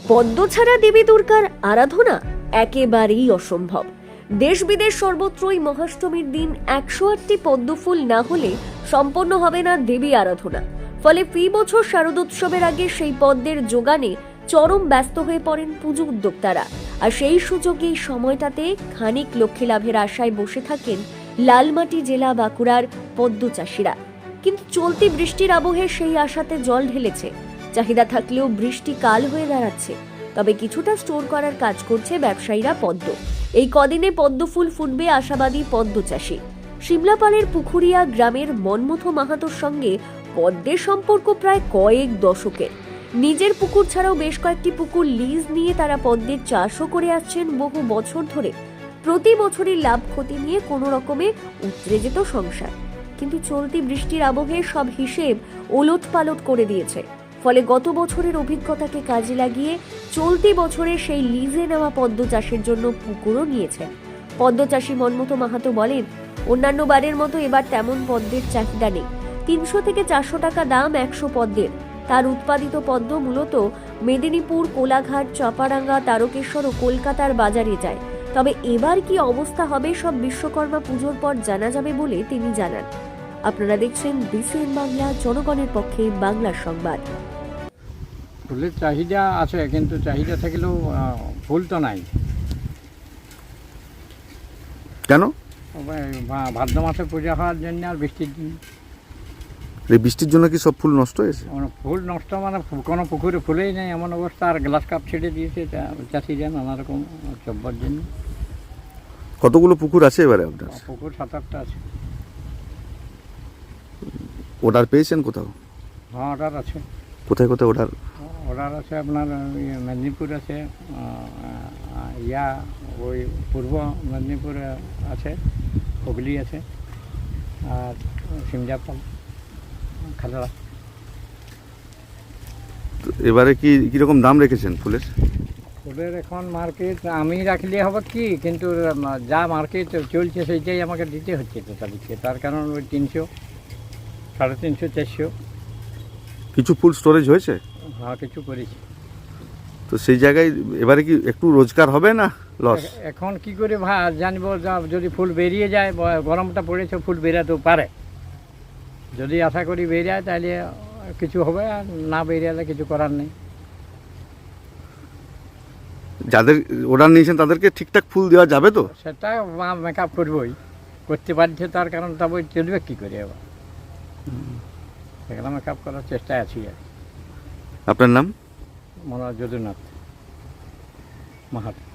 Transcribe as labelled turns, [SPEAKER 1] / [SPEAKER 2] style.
[SPEAKER 1] পদ্ম ছাড়া দেবী দুর্গার আরাধনা একেবারেই অসম্ভব। দেশ বিদেশ সর্বত্রই মহাষ্টমীর দিন 108টি পদ্ম ফুল না হলে সম্পন্ন হবে না দেবী আরাধনা। ফলে ফি বছর শারদোৎসবের আগে সেই পদ্মের যোগানে চরম ব্যস্ত হয়ে পড়েন পুজো উদ্যোক্তারা। আর সেই সুযোগে এই সময়টাতে খানিক লক্ষ্মী লাভের আশায় বসে থাকেন লালমাটি জেলা বাঁকুড়ার পদ্ম চাষিরা। কিন্তু চলতি বৃষ্টির আবহে সেই আশাতে জল ঢেলেছে। চাহিদা থাকলেও বৃষ্টি কাল হয়ে দাঁড়াচ্ছে। তবে কিছুটা স্টোর করার কাজ করছে ব্যবসায়ীরা পদ্ম। এই কদিনে পদ্ম ফুল ফুটবে আশাবাদী পদ্ম চাষী। সিমলাপালের পুকুরিয়া গ্রামের মনমথ মাহাতোর সঙ্গে পদ্মের সম্পর্ক প্রায় কয়েক দশকের। নিজের পুকুর ছাড়াও বেশ কয়েকটি পুকুর লিজ নিয়ে তারা পদ্মের চাষও করে আসছেন বহু বছর ধরে। প্রতি বছরই লাভ ক্ষতি নিয়ে কোনো রকমে উতরে যেত সংসার। কিন্তু চলতি বৃষ্টির আবহে সব হিসেব ওলটপালট করে দিয়েছে। ফলে গত বছরের অভিজ্ঞতাকে কাজে লাগিয়ে চলতি বছরে সেই লিজে নেওয়া পদ্ম চাষের জন্য পুকুরও নিয়েছেন। পদ্ম চাষী মনমথ মাহাতো বলেন, অন্যান্য বারের মতো এবার তেমন পদ্মের চাহিদা নেই। 300 থেকে 400 টাকা দাম 100 পদ্মের। তার উৎপাদিত পদ্ম মূলত মেদিনীপুর, কোলাঘাট, চাপাডাঙ্গা, তারকেশ্বর ও কলকাতার বাজারে যায়। তবে এবার কি অবস্থা হবে সব বিশ্বকর্মা পুজোর পর জানা যাবে বলে তিনি জানান। আপনারা দেখছেন বিসিএন বাংলা, জনগণের পক্ষে বাংলার সংবাদ।
[SPEAKER 2] ফুলের চাহিদা আছে, কিন্তু চাহিদা থাকলেও ফুল তো নাই।
[SPEAKER 3] কেন?
[SPEAKER 2] ভাদ্র মাসে পূজা হওয়ার জন্য আর বৃষ্টির দিন।
[SPEAKER 3] এই বৃষ্টির জন্য কি সব ফুল নষ্ট হয়েছে?
[SPEAKER 2] ফুল নষ্ট মানে কোনো পুকুরে ফুলেই নেই এমন অবস্থা। আর গ্লাস কাপ ছেড়ে দিয়েছে চাষিরা নানা রকম চব্বার জন্য।
[SPEAKER 3] কতগুলো পুকুর আছে এবারে আপনার?
[SPEAKER 2] পুকুর 7-8টা আছে।
[SPEAKER 3] অর্ডার পেয়েছেন কোথাও?
[SPEAKER 2] হ্যাঁ, অর্ডার আছে।
[SPEAKER 3] কোথায় কোথায় অর্ডার?
[SPEAKER 2] অর্ডার আছে আপনার মেদিনীপুর আছে, ওই পূর্ব মেদিনীপুর আছে, হুগলি আছে, আর সিমলাপাল, খালড়া।
[SPEAKER 3] এবারে কি কিরকম দাম রেখেছেন ফুলের?
[SPEAKER 2] ফুলের এখন মার্কেট আমি রাখলে হবে কি, কিন্তু যা মার্কেট চলছে সেইটাই আমাকে দিতে হচ্ছে তো তাদেরকে। তার কারণ ওই 300, 350, 400।
[SPEAKER 3] কিছু ফুল স্টোরেজ হয়েছে?
[SPEAKER 2] হ্যাঁ, কিছু করেছি।
[SPEAKER 3] তো সেই জায়গায় এবারে কি একটু রোজগার হবে না লস?
[SPEAKER 2] এখন কি করে জানবো? যদি ফুল বেরিয়ে যায়, গরমটা পড়েছে, ফুল বেরাতেও পারে। যদি আশা করি বেরিয়ে যায় তাহলে কিছু হবে, আর না বেরিয়ে কিছু করার নেই।
[SPEAKER 3] যাদের অর্ডার নিয়েছেন তাদেরকে ঠিকঠাক ফুল দেওয়া যাবে তো?
[SPEAKER 2] সেটা মেকআপ করবোই, করতে পারছে। তার কারণ তবে চলবে কী করে এবার, সেখানে মেকআপ করার চেষ্টায় আছি। আর
[SPEAKER 3] আপনার নাম?
[SPEAKER 2] মনোজ যদুনাথ মাহাতো।